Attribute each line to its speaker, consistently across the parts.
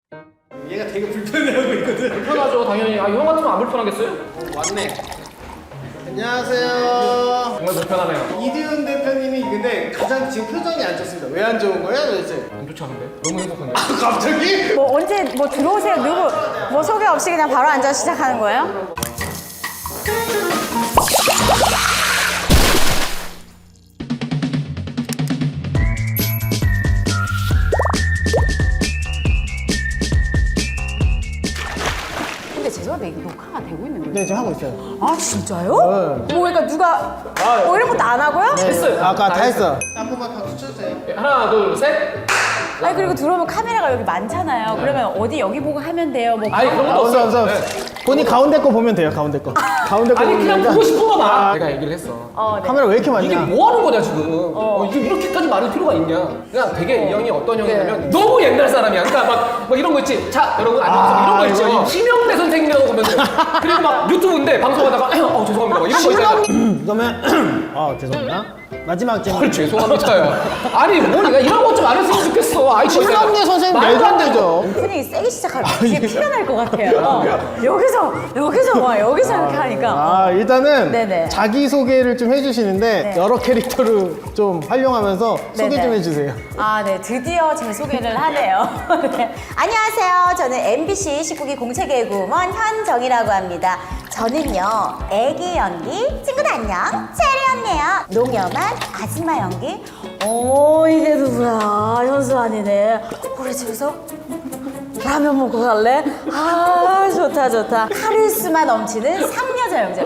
Speaker 1: 얘가 되게 불편해하고 있거든.
Speaker 2: 불편하죠 당연히. 아, 형 같으면 안 불편하겠어요?
Speaker 1: 왔네. 안녕하세요.
Speaker 2: 정말 불편하네요.
Speaker 1: 이디훈 대표님이 근데 가장 지금 표정이 안 좋습니다. 왜 안 좋은 거야 도대체?
Speaker 2: 안 좋지 않은데? 너무 행복한데?
Speaker 1: 갑자기?
Speaker 3: 뭐 언제 뭐 들어오세요 누구 뭐 소개 없이 그냥 바로 앉아 시작하는 거예요? 근데 죄송한데 이게 녹화가 되고 있는 거예요?
Speaker 1: 네, 지금 하고 있어요.
Speaker 3: 아 진짜요? 뭐 그러니까 누가 뭐 이런 것도 안 하고요?
Speaker 2: 했어요.
Speaker 1: 아까 다 했어. 한 번만 박수 쳐주세요.
Speaker 2: 하나 둘 셋.
Speaker 3: 아니 그리고 들어오면 카메라가 여기 많잖아요. 그러면 어디 여기 보고 하면 돼요. 뭐
Speaker 2: 아니 그런 것도
Speaker 1: 없어,
Speaker 2: 없어요.
Speaker 1: 없어. 본인 가운데 거 보면 돼요, 가운데 거. 가운데 거
Speaker 2: 아니
Speaker 1: 보면
Speaker 2: 그냥
Speaker 1: 되니까.
Speaker 2: 보고 싶은 거만. 내가 얘기를 했어.
Speaker 3: 네.
Speaker 1: 카메라 왜 이렇게 많냐?
Speaker 2: 이게 뭐 하는 거냐 지금? 이게 이렇게까지 많을 필요가 있냐? 그냥 되게 이 형이 어떤 형이냐면 너무 옛날 사람이야. 그러니까 막 이런 거 있지. 자 여러분 안녕하세요. 이런 거 있죠.
Speaker 1: 이거.
Speaker 2: 심영래 선생님이라고 보면 돼. 그리고 막 유튜브인데 방송하다가 죄송합니다. 막 이런 거 있잖아.
Speaker 1: 그러면 죄송합니다. 마지막 질문.
Speaker 2: 헐 죄송합니다요. 아니 뭐 내가 이런 것 좀 안 했으면 좋겠어. 아이
Speaker 1: 심영래 선생님 말도 안 되죠.
Speaker 3: 오프닝이 세게 시작하면 뒤에 피가 날 것 같아요. 여기서 와 여기서 이렇게 하니까.
Speaker 1: 일단은
Speaker 3: 네네.
Speaker 1: 자기소개를 좀 해주시는데
Speaker 3: 네.
Speaker 1: 여러 캐릭터를 좀 활용하면서 소개 좀
Speaker 3: 네네.
Speaker 1: 해주세요.
Speaker 3: 아, 네. 드디어 제 소개를 하네요. 네. 안녕하세요. 저는 MBC 19기 공채개구먼 현정이라고 합니다. 저는요, 애기 연기, 친구들 안녕, 체리 언니예요. 농염한 아줌마 연기. 이게 누구야? 현수환이네. 우리 집에서 라면 먹고 갈래? 아, 좋다. 카리스마 넘치는 상여자 영재.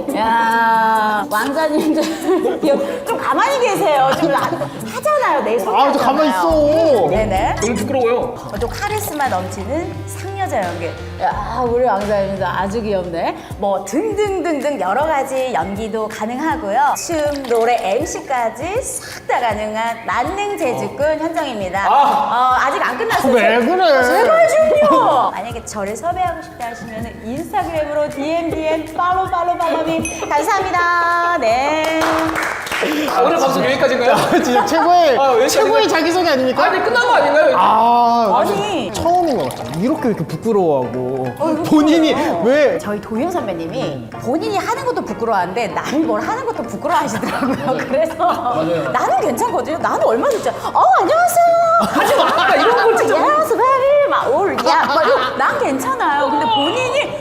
Speaker 3: 야, 왕자님들 좀 가만히 계세요. 좀 하잖아요. 내 소개.
Speaker 1: 저 가만히 있어.
Speaker 3: 네네.
Speaker 2: 너무 부끄러워요.
Speaker 3: 좀 카리스마 넘치는 상여자 연기. 야, 우리 왕자님도 아주 귀엽네. 뭐 등등등등 여러 가지 연기도 가능하고요. 춤, 노래, MC까지 싹 다 가능한 만능 재주꾼 현정입니다. 아직 안 끝났어요.
Speaker 1: 왜 그래?
Speaker 3: 제발 좀요. 만약에 저를 섭외하고 싶다 하시면 인스타그램으로 DM 팔로우미 감사합니다. 네.
Speaker 2: 오늘 방송 여기까지인가요?
Speaker 1: 진짜 최고의
Speaker 2: 왜
Speaker 1: 최고의 자기소개 아닙니까?
Speaker 2: 아니 끝난 거 아닌가요?
Speaker 3: 아니.
Speaker 1: 처음인 것 같아요. 이렇게 부끄러워하고 본인이 왜
Speaker 3: 저희 도윤 선배님이 본인이 하는 것도 부끄러워하는데 남이 뭘 하는 것도 부끄러워하시더라고요. 그래서 나는 괜찮거든요. 나는 얼마든지 안녕하세요.
Speaker 2: 하지 마. 나 이런 걸 진짜.
Speaker 3: 안녕하세요. 난 괜찮아요. 근데 본인이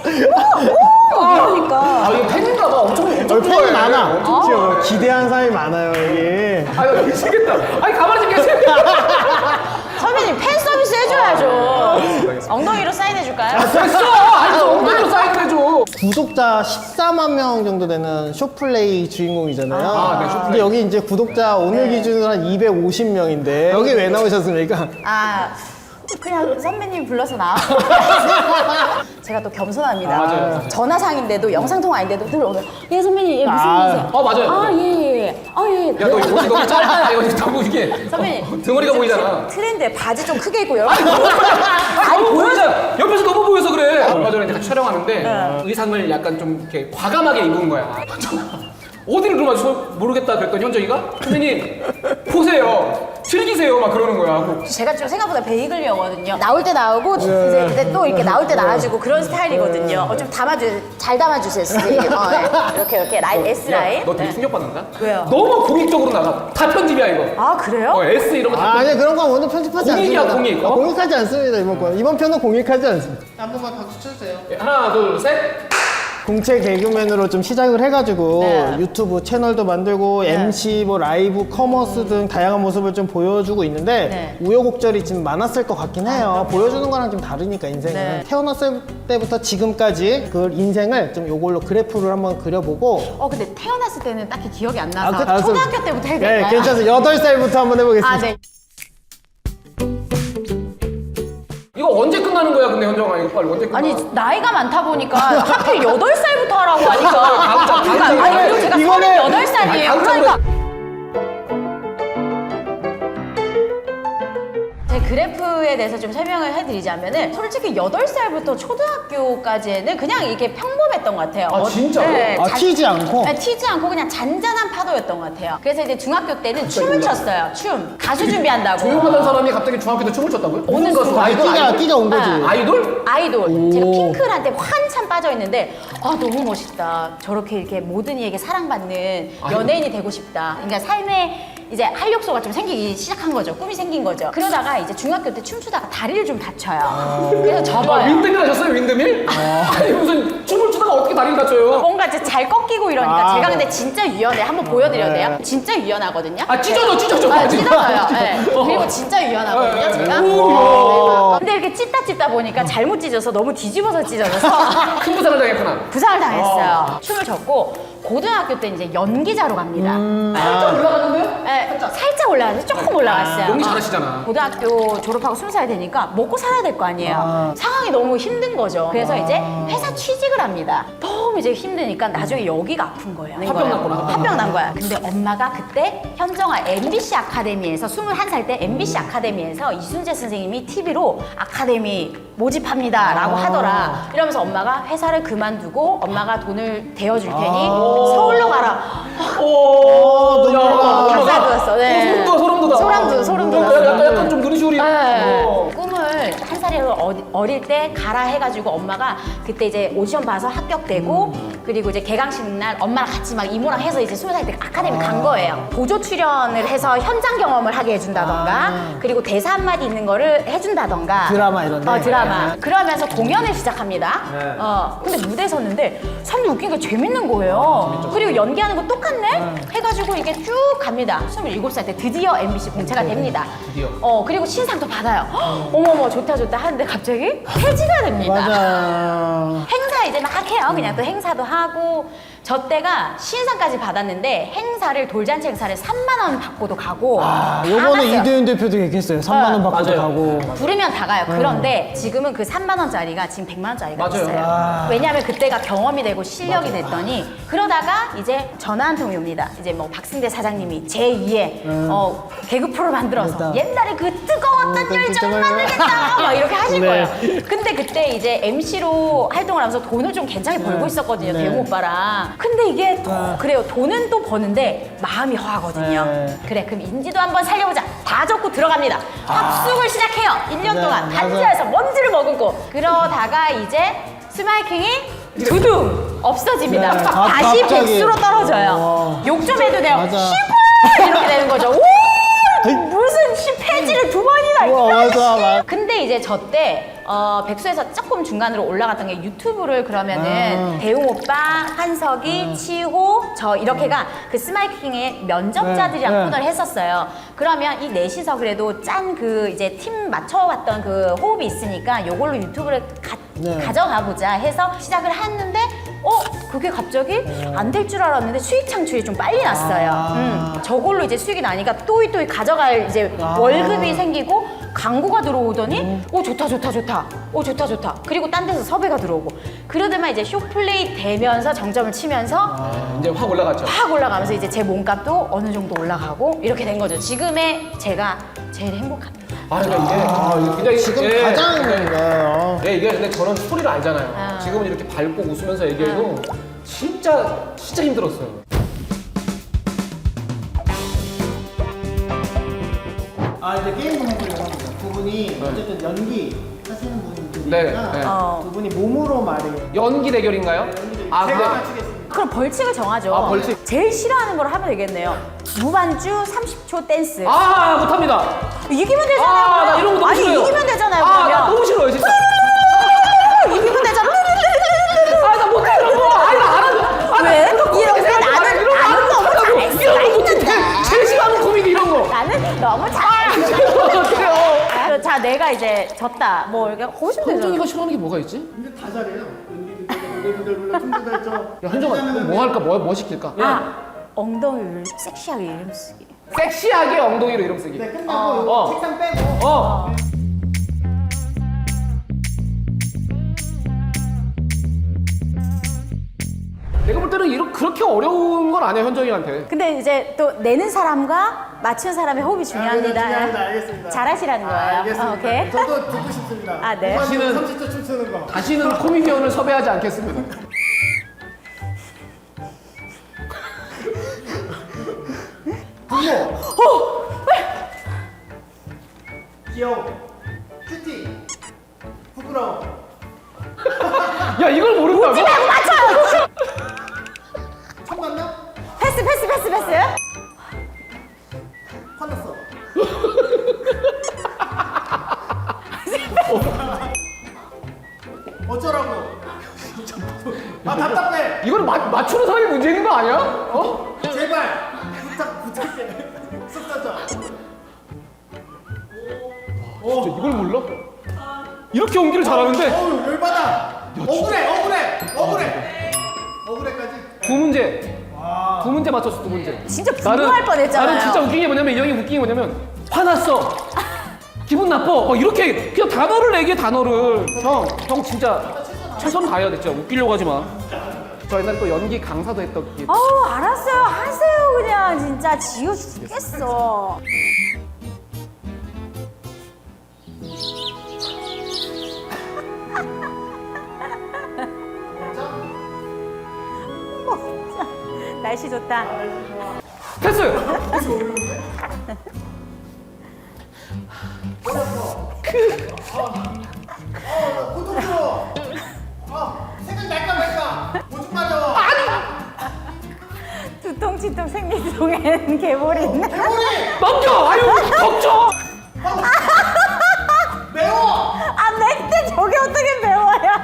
Speaker 3: 이러니까.
Speaker 2: 이거 팬인가 봐. 엄청
Speaker 1: 팬이
Speaker 2: 좋아해.
Speaker 1: 많아.
Speaker 2: 엄청
Speaker 1: 지금 기대한 사람이 많아요 이게.
Speaker 2: 아유 미치겠다. 아니 가만히 좀 계세요.
Speaker 3: 선배님 팬 서비스 해줘야죠. 엉덩이로 사인해 줄까요?
Speaker 2: 됐어. 아니 엉덩이로 사인해줘.
Speaker 1: 구독자 14만 명 정도 되는 쇼플레이 주인공이잖아요.
Speaker 2: 네, 쇼플레이.
Speaker 1: 근데 여기 이제 구독자 오늘 기준으로 한 250명인데 여기 왜 나오셨습니까?
Speaker 3: 그냥 선배님 불러서 나왔어요. 제가 또 겸손합니다.
Speaker 2: 맞아요.
Speaker 3: 전화상인데도 영상통화인데도 늘 오면 선배님 무슨 일이세요?
Speaker 2: 맞아요.
Speaker 3: 예.
Speaker 2: 야 너 이거 너무 짧아. 이거 너무 이게
Speaker 3: 선배님
Speaker 2: 등어리가 보이잖아.
Speaker 3: 트렌드에 바지 좀 크게 입고 여러분
Speaker 2: 아니 보이잖아. 옆에서 너무 보여서 그래. 얼마 전에 이제 같이 촬영하는데 의상을 약간 좀 이렇게 과감하게 입은 거야. 어디를 그러면 모르겠다 그랬더니 현정이가 선생님 보세요. 즐기세요 막 그러는 거야.
Speaker 3: 제가 좀 생각보다 베이글이었거든요. 나올 때 나오고 이제 또 이렇게 나올 때 나와주고 그런 스타일이거든요. 좀 잘 담아주세요. 이렇게 라인 S 라인.
Speaker 2: 너 되게 충격받는다?
Speaker 3: 왜요?
Speaker 2: 너무 공익적으로 나가. 다 편집이야 이거.
Speaker 3: 그래요?
Speaker 2: S 이런 거 다.
Speaker 1: 아니 그런 건 오늘 편집하지
Speaker 2: 공익이야,
Speaker 1: 않습니다.
Speaker 2: 공익.
Speaker 1: 공익하지 않습니다 이번 건. 이번 편은 공익하지 않습니다. 한 번만 박수 쳐주세요.
Speaker 2: 하나 둘 셋.
Speaker 1: 공채 개그맨으로 좀 시작을 해가지고
Speaker 3: 네.
Speaker 1: 유튜브 채널도 만들고 MC, 뭐 라이브, 커머스 등 다양한 모습을 좀 보여주고 있는데
Speaker 3: 네.
Speaker 1: 우여곡절이 좀 많았을 것 같긴 해요. 보여주는 거랑 좀 다르니까 인생은.
Speaker 3: 네.
Speaker 1: 태어났을 때부터 지금까지 그 인생을 좀 요걸로 그래프를 한번 그려보고
Speaker 3: 근데 태어났을 때는 딱히 기억이 안 나서
Speaker 1: 알았어.
Speaker 3: 초등학교 때부터 해야
Speaker 1: 네,
Speaker 3: 될까요?
Speaker 1: 괜찮아요. 8살부터 한번 해보겠습니다.
Speaker 3: 네.
Speaker 2: 이거 언제 끝나는 거야 근데 현정아 이거 빨리 언제 끝나?
Speaker 3: 아니 나이가 많다 보니까 하필 8살부터 하라고 하니까
Speaker 2: 다음
Speaker 3: 그리고 제가
Speaker 1: 이거는-
Speaker 3: 38살이에요.
Speaker 2: 다음
Speaker 3: 그러니까 제 그래프에 대해서 좀 설명을 해드리자면은 솔직히 8살부터 초등학교까지는 그냥 이게 평범했던 것 같아요.
Speaker 2: 아, 진짜요?
Speaker 3: 네,
Speaker 1: 아, 튀지 않고?
Speaker 3: 네, 튀지 않고 그냥 잔잔한 파도였던 것 같아요. 그래서 이제 중학교 때는 춤을 췄어요. 춤. 가수 준비한다고.
Speaker 2: 조용하던 사람이 갑자기 중학교 때 춤을 췄다고요?
Speaker 3: 어느
Speaker 2: 무슨 가수?
Speaker 3: 순간.
Speaker 2: 아이돌?
Speaker 1: 끼가 온 거지.
Speaker 3: 아.
Speaker 2: 아이돌?
Speaker 3: 아이돌. 제가
Speaker 1: 오.
Speaker 3: 핑클한테 한참 빠져있는데 아 너무 멋있다. 저렇게 이렇게 모든 이에게 사랑받는 연예인이 되고 싶다. 그러니까 삶에 이제 활력소가 좀 생기기 시작한 거죠. 꿈이 생긴 거죠. 그러다가 이제 중학교 때 춤추다가 다리를 좀 다쳐요. 그래서
Speaker 2: 아,
Speaker 3: 접어요.
Speaker 2: 윈드밀 하셨어요? 윈드밀? 아니 무슨 춤을 추다가 어떻게 다리를 다쳐요?
Speaker 3: 뭔가 이제 잘 꺾이고 이러니까
Speaker 1: 아,
Speaker 3: 제가
Speaker 1: 네.
Speaker 3: 근데 진짜 유연해. 한번 보여드려도 돼요?
Speaker 1: 네.
Speaker 3: 진짜 유연하거든요.
Speaker 2: 아 찢어져.
Speaker 3: 아, 찢어져요. 네. 그리고 진짜 유연하거든요, 제가.
Speaker 1: 오.
Speaker 3: 근데 이렇게 찢다 보니까 잘못 찢어서 너무 뒤집어서 찢어져서
Speaker 2: 큰 부상을 당했구나.
Speaker 3: 부상을 당했어요. 춤을 췄고 고등학교 때 이제 연기자로 갑니다.
Speaker 2: 살짝 올라갔는데요?
Speaker 3: 네, 살짝 올라갔어요. 조금 올라갔어요.
Speaker 2: 연기 잘하시잖아.
Speaker 3: 고등학교 졸업하고 20살 되니까 먹고 살아야 될 거 아니에요. 상황이 너무 힘든 거죠. 그래서 이제 회사 취직을 합니다. 너무 이제 힘드니까 나중에 여기가 아픈 거예요.
Speaker 2: 화병 났구나.
Speaker 3: 화병 난 거야. 근데 엄마가 그때 현정아 MBC 아카데미에서 21살 때 MBC 아카데미에서 이순재 선생님이 TV로 아카데미 모집합니다 라고 하더라. 이러면서 엄마가 회사를 그만두고 엄마가 돈을 대어줄 테니 서울로 가라.
Speaker 2: 오,
Speaker 3: 가사 돋았어. 네.
Speaker 2: 소름 돋아.
Speaker 3: 소름 돋았어.
Speaker 2: 약간 좀 눈시울이.
Speaker 3: 네. 꿈을 한 살이라도 어릴 때 가라 해가지고 엄마가 그때 이제 오디션 봐서 합격되고 그리고 이제 개강식 날 엄마랑 같이 막 이모랑 해서 이제 20살 때 아카데미 간 거예요. 보조 출연을 해서 현장 경험을 하게 해준다던가 그리고 대사 한마디 있는 거를 해준다던가
Speaker 1: 드라마 이런 데?
Speaker 3: 드라마. 그러면서 공연을 시작합니다.
Speaker 1: 네.
Speaker 3: 근데 무대에 섰는데 사람들 웃긴 게 재밌는 거예요. 그리고 연기하는 거 똑같네? 해가지고 이게 쭉 갑니다. 27살 때 드디어 MBC 공채가 됩니다.
Speaker 2: 드디어.
Speaker 3: 그리고 신상도 받아요. 어머머 좋다 하는데 갑자기 폐지가 됩니다.
Speaker 1: 맞아.
Speaker 3: 행사 이제 막 해요. 그냥 또 행사도 하고 저 때가 신상까지 받았는데 행사를 돌잔치 행사를 3만 원 받고도 가고
Speaker 1: 아,
Speaker 3: 다
Speaker 1: 요번에
Speaker 3: 갔어요.
Speaker 1: 이대윤 대표도 얘기했어요. 3만 원 받고도
Speaker 2: 맞아요.
Speaker 1: 가고.
Speaker 3: 부르면 다 가요. 그런데 지금은 그 3만 원짜리가 지금 100만 원짜리가
Speaker 2: 맞아요.
Speaker 3: 됐어요.
Speaker 1: 아.
Speaker 3: 왜냐하면 그때가 경험이 되고 실력이 됐더니 그러다가 이제 전화 한 통이 옵니다. 이제 뭐 박승대 사장님이 제2의 개그 프로 만들어서
Speaker 1: 맞다.
Speaker 3: 옛날에 그 뜨거웠던
Speaker 1: 그
Speaker 3: 열정
Speaker 1: 뜨거운
Speaker 3: 만들겠다 막 이렇게 하실
Speaker 1: 네.
Speaker 3: 거예요. 근데 그때 이제 MC로 활동을 하면서 돈을 좀 괜찮게 벌고 있었거든요.
Speaker 1: 네.
Speaker 3: 대웅 오빠랑. 근데 이게 또 그래요. 돈은 또 버는데 마음이 허하거든요.
Speaker 1: 네.
Speaker 3: 그래 그럼 인지도 한번 살려보자. 다 적고 들어갑니다. 합숙을 시작해요. 1년
Speaker 1: 네,
Speaker 3: 동안
Speaker 1: 맞아요.
Speaker 3: 반지하에서 먼지를 머금고 그러다가 이제 스마이킹이 두둥 없어집니다.
Speaker 1: 네,
Speaker 3: 다시
Speaker 1: 갑자기.
Speaker 3: 백수로 떨어져요.
Speaker 1: 와.
Speaker 3: 욕 좀 해도 돼요.
Speaker 1: 맞아.
Speaker 3: 시골 이렇게 되는 거죠. 오! 무슨 폐지를 2번이나
Speaker 1: 우와,
Speaker 3: 이런
Speaker 1: 맞아,
Speaker 3: 씨.
Speaker 1: 맞아.
Speaker 3: 근데 이제 저 때 백수에서 조금 중간으로 올라갔던 게 유튜브를 그러면은 대웅 오빠, 한석이, 치호, 저 이렇게가 그 스마이킹의 면접자들이랑
Speaker 1: 네, 네.
Speaker 3: 코너를 했었어요. 그러면 이 넷이서 그래도 짠 그 이제 팀 맞춰왔던 그 호흡이 있으니까 요걸로 유튜브를
Speaker 1: 네.
Speaker 3: 가져가 보자 해서 시작을 했는데 그게 갑자기 안 될 줄 알았는데 수익 창출이 좀 빨리 났어요. 저걸로 이제 수익이 나니까 또이 가져갈 이제 월급이 생기고 광고가 들어오더니 좋다. 좋다. 그리고 딴 데서 섭외가 들어오고 그러더만 이제 쇼플레이 되면서 정점을 치면서
Speaker 2: 이제 확 올라갔죠.
Speaker 3: 확 올라가면서 이제 제 몸값도 어느 정도 올라가고 이렇게 된 거죠. 지금의 제가 제일 행복합니다.
Speaker 2: 그러니까 이게 굉장히
Speaker 1: 지금
Speaker 2: 예,
Speaker 1: 가장
Speaker 2: 예, 이게 근데 저는 스토리를 알잖아요. 지금은 이렇게 밝고 웃으면서 얘기해도 진짜 힘들었어요.
Speaker 1: 이제 게임 동물이라고 합니다. 두 분이 어쨌든 연기 하시는 분들이니까
Speaker 2: 네, 네.
Speaker 1: 두 분이 몸으로 말해요.
Speaker 2: 연기 대결인가요? 아, 근데
Speaker 1: 제가 맞추겠습니다.
Speaker 3: 그럼 벌칙을 정하죠.
Speaker 2: 아, 벌칙.
Speaker 3: 제일 싫어하는 걸 하면 되겠네요. 무반주 30초 댄스.
Speaker 2: 못합니다.
Speaker 3: 이기면 되잖아요.
Speaker 2: 나 이런 거 너무
Speaker 3: 아니
Speaker 2: 싫어요.
Speaker 3: 이기면 되잖아요.
Speaker 2: 나
Speaker 3: 그러면.
Speaker 2: 너무 싫어요, 진짜.
Speaker 3: 이기면 되잖아.
Speaker 2: 나 못해, 이런 거. 나 알아.
Speaker 3: 왜? 이렇게 나는 너무 잘할 수가 있는데.
Speaker 2: 제일 싫어하는 코미디 이런 거.
Speaker 3: 나는 너무 잘해.
Speaker 2: 그래요.
Speaker 3: 자, 내가 이제 졌다. 뭐 이렇게 거기서 되잖아.
Speaker 2: 현정이가 싫어하는 게 뭐가 있지?
Speaker 1: 근데 다 잘해요. 연기도 물론 춤도 잘 춰.
Speaker 2: 야, 현정아, 뭐 할까? 뭐 시킬까?
Speaker 3: 엉덩이를 섹시하게 이름 쓰기.
Speaker 2: 섹시하게 엉덩이로 이름 쓰기.
Speaker 1: 네, 끝나고 책상 빼고.
Speaker 2: 내가 볼 때는 그렇게 어려운 건 아니야, 현정이한테.
Speaker 3: 근데 이제 또 내는 사람과 맞춘 사람의 호흡이 중요합니다.
Speaker 1: 중요합니다. 알겠습니다.
Speaker 3: 잘하시라는 거예요.
Speaker 1: 알겠습니다.
Speaker 3: 오케이.
Speaker 1: 저도 듣고 싶습니다.
Speaker 3: 아, 네.
Speaker 2: 다시는-
Speaker 1: 30초 춤추는 거.
Speaker 2: 다시는 코미디언을 섭외하지 않겠습니다.
Speaker 1: 분모. 귀여워. 큐티. 부끄러워.
Speaker 2: 야, 이걸 모른다고?
Speaker 3: 맞춰요.
Speaker 1: 첫 만남?
Speaker 3: 패스.
Speaker 1: 화났어. 어쩌라고? 아 답답해.
Speaker 2: 이거는 맞추는 사람이 문제 있는 거 아니야? 어?
Speaker 1: 제발 부탁해. 쑥 던져.
Speaker 2: 진짜 이걸 몰라? 이렇게 연기를 잘하는데
Speaker 1: 어우 열받아. 억울해까지.
Speaker 2: 두 문제 맞췄어, 두 문제.
Speaker 3: 진짜 분노할 뻔했잖아요.
Speaker 2: 나는 진짜 웃긴 게 뭐냐면, 이 형이 웃긴 게 뭐냐면, 화났어, 기분 나빠, 이렇게 그냥 단어를 얘기해, 단어를. 형 진짜 최선 다해야 돼. 진짜 웃기려고 하지 마. 저 옛날에 또 연기 강사도 했던 게.
Speaker 3: 알았어요. 하세요 그냥 진짜 지우 죽겠어. 진짜 날씨 좋다.
Speaker 2: 패스!
Speaker 1: 고통스러워. 생각 날까 말까. 오줌 마려.
Speaker 3: 두통치통 생리통에는 개볼이 있네.
Speaker 2: 넘겨! 아유, 덮쳐!
Speaker 1: 매워.
Speaker 3: 맵대 저게 어떻게 매워요?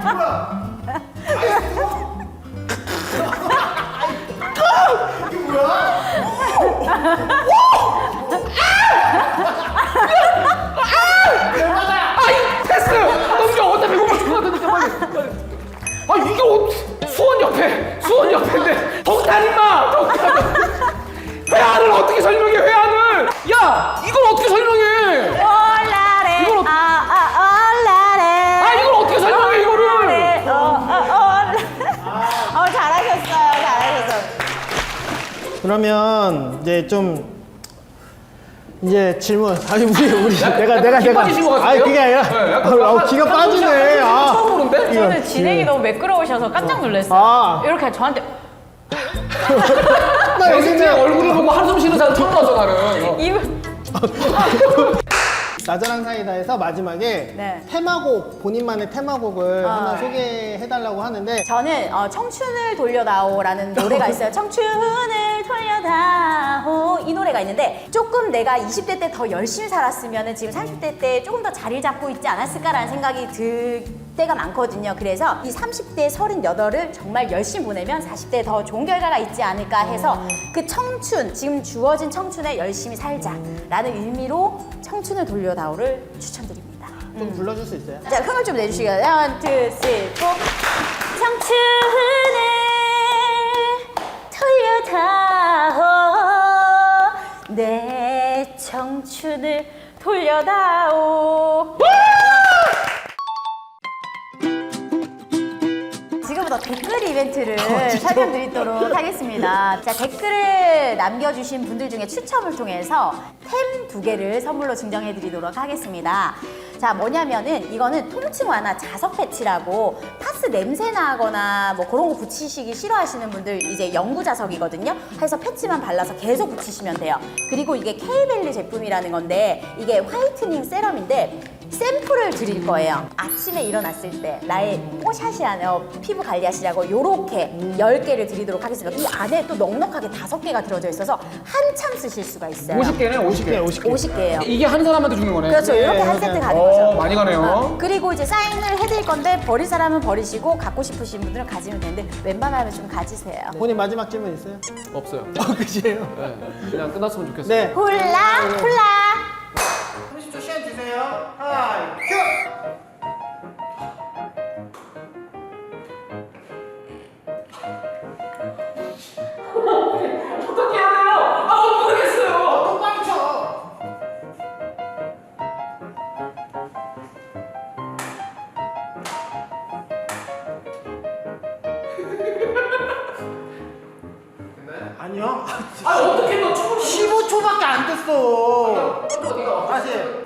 Speaker 1: 이게 뭐야?
Speaker 2: 아이, 패스! 넘겨! 어차피 배고파 죽어야 되니까 빨리. 아, 이게 수원 옆인데. 덕탄 임마! 회안을 어떻게 설명해, 회안을! 야! 이걸 어떻게 설명해!
Speaker 3: 올라래.
Speaker 2: 이걸
Speaker 3: 올라래.
Speaker 2: 이걸 어떻게 설명해, 이거를!
Speaker 3: 잘하셨어요.
Speaker 1: 그러면 이제 질문. 아니 우리 내가
Speaker 2: 기 빠지신 것 같은데요?
Speaker 1: 그게 아니라
Speaker 2: 네, 약간
Speaker 1: 기가 빠지네.
Speaker 2: 처음 보는데?
Speaker 4: 저는 진행이 너무 매끄러우셔서 깜짝 놀랐어요.
Speaker 1: 아.
Speaker 4: 이렇게 저한테
Speaker 1: 나
Speaker 2: 게스트의
Speaker 1: 여기는
Speaker 2: 얼굴을 보고 한숨 쉬는 사람 처음 봐서 나는.
Speaker 4: 입을
Speaker 1: 나자랑 사이다에서 마지막에
Speaker 3: 네.
Speaker 1: 테마곡, 본인만의 테마곡을 하나 소개해달라고 하는데
Speaker 3: 저는 청춘을 돌려다오라는 노래가 있어요. 청춘을 돌려다오 이 노래가 있는데 조금 내가 20대 때 더 열심히 살았으면 지금 30대 때 조금 더 자리를 잡고 있지 않았을까라는 생각이 들 때가 많거든요. 그래서 이 30대 38을 정말 열심히 보내면 40대에 더 좋은 결과가 있지 않을까 해서 그 청춘, 지금 주어진 청춘에 열심히 살자라는 의미로 청춘을 돌려다오를 추천드립니다.
Speaker 1: 좀 불러줄 수 있어요?
Speaker 3: 자, 흥을 좀 내주시겠어요? 1, 2, 3, 4. 청춘을 돌려다오 내 청춘을 돌려다오. 지금부터 댓글 이벤트를 설명드리도록 하겠습니다. 자, 댓글을 남겨주신 분들 중에 추첨을 통해서 템 2개를 선물로 증정해드리도록 하겠습니다. 자, 뭐냐면은 이거는 통증 완화 자석 패치라고 파스 냄새 나거나 뭐 그런 거 붙이시기 싫어하시는 분들 이제 영구 자석이거든요. 해서 패치만 발라서 계속 붙이시면 돼요. 그리고 이게 K밸리 제품이라는 건데 이게 화이트닝 세럼인데 샘플을 드릴 거예요. 아침에 일어났을 때 나의 뽀샤시한 피부 관리하시라고 요렇게 10개를 드리도록 하겠습니다. 이 안에 또 넉넉하게 5개가 들어져 있어서 한참 쓰실 수가 있어요.
Speaker 2: 50개네, 50개.
Speaker 3: 50개예요.
Speaker 2: 이게 한 사람한테 주는 거네.
Speaker 3: 그렇죠. 이렇게 한 세트 가는 거죠.
Speaker 2: 많이 가네요.
Speaker 3: 그리고 이제 사인을 해드릴 건데 버릴 사람은 버리시고 갖고 싶으신 분들은 가지면 되는데 웬만하면 좀 가지세요.
Speaker 1: 본인 마지막 질문 있어요?
Speaker 2: 없어요.
Speaker 1: 그치예요?
Speaker 2: 네, 그냥 끝났으면 좋겠어요.
Speaker 1: 네.
Speaker 3: 훌라 훌라.
Speaker 1: 30초 시간 주세요. 하이 큐!
Speaker 2: 어떻게 해야 돼요? 모르겠어요.
Speaker 1: 똑바로 쳐! 아니요.
Speaker 2: 아 어떻게 너 춤을
Speaker 1: 15초밖에 안 됐어.
Speaker 2: 어디가?
Speaker 1: 다시.